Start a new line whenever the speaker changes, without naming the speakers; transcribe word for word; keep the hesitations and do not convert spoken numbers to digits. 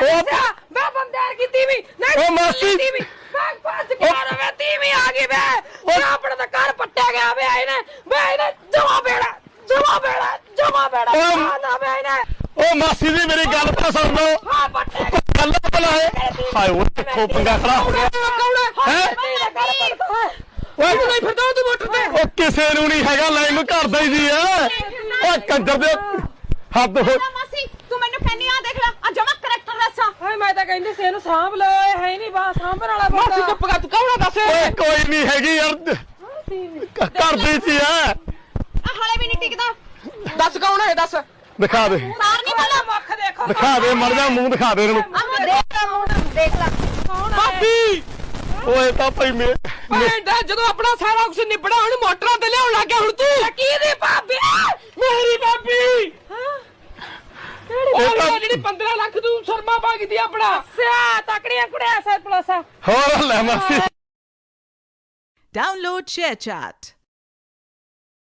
मैं बंदेर की तीवी नहीं
मासी
तीवी मैं फंस गया रे मैं तीवी आ गई मैं मैं अपने तो घर पट्टा गया मैं इने मैं इने जमा बेड़ा जमा बेड़ा जमा बेड़ा ना मैं इने
ओ मासी दी मेरी गल तो सुन लो
हां पट्टे
गल भला है हाय वो देखो पंगा खड़ा हो गया
कौन है ਓਏ ਤੂੰ ਨਹੀਂ ਫਿਰਦਾ ਤੂੰ ਮੋਟਰ ਤੇ
ਉਹ ਕਿਸੇ ਨੂੰ ਨਹੀਂ ਹੈਗਾ ਲਾਈਨ ਘਰ ਦਾ ਹੀ ਜੀ ਆ ਓਏ ਕੰਜਰ ਦੇ ਹੱਦ ਹੋ
ਮਾਸੀ ਤੂੰ ਮੈਨੂੰ ਕਹਿੰਨੀ ਆ ਦੇਖ ਲੈ ਆ ਜਮਾ ਕਰੈਕਟਰ ਦੱਸਾ
ਹਾਏ ਮੈਂ ਤਾਂ ਕਹਿੰਦੀ ਸੀ ਇਹਨੂੰ ਸਾਂਭ ਲਓ ਇਹ ਹੈ ਨਹੀਂ ਬਾ ਸਾਂਭਣ ਵਾਲਾ ਬੰਦਾ
ਮਾਸੀ ਚੁੱਪ ਕਰ ਤੂੰ ਕੌਣ ਦੱਸ
ਓਏ ਕੋਈ ਨਹੀਂ ਹੈਗੀ ਯਾਰ ਘਰ ਦੀ ਸੀ ਆ
ਆ ਹਲੇ ਵੀ ਨਹੀਂ ਟਿਕਦਾ
ਦੱਸ ਕੌਣ ਹੈ ਦੱਸ
ਦਿਖਾ ਦੇ
ਮਾਰ ਨਹੀਂ ਪਹਿਲਾਂ
ਮੁੱਖ ਦੇਖੋ
ਦਿਖਾ ਦੇ ਮਰ ਜਾ ਮੂੰਹ ਦਿਖਾ ਦੇ ਇਹਨੂੰ
ਆ ਦੇਖ ਲੈ ਮੂੰਹ ਦੇਖ ਲੈ
ਕੌਣ ਹੈ
ਭਾਬੀ ਓਏ ਤਾਂ ਭਾਈ ਮੇ
ਓਏ ਡਾ ਜਦੋਂ ਆਪਣਾ ਸਾਰਾ ਕੁਝ ਨਿਬੜਾ ਹੁਣ ਮੋਟਰਾਂ ਤੇ ਲਿਆਉਣ ਲੱਗ ਗਿਆ ਹੁਣ ਤੂੰ ਕੀ ਦੀ ਭਾਬੀ ਮੇਰੀ ਭਾਬੀ ਹਾਂ ਕਿਹੜੀ ਜਿਹੜੀ ਪੰਦਰਾਂ ਲੱਖ ਤੂੰ ਸ਼ਰਮਾ ਮੰਗਦੀ ਆਪਣਾ ਸਿਆ ਤਕੜੀਆਂ ਕੁੜਿਆ ਸਰ ਪਲਸਾ
ਹੋਰ ਲੈ ਮਾਸੀ
Download ShareChat.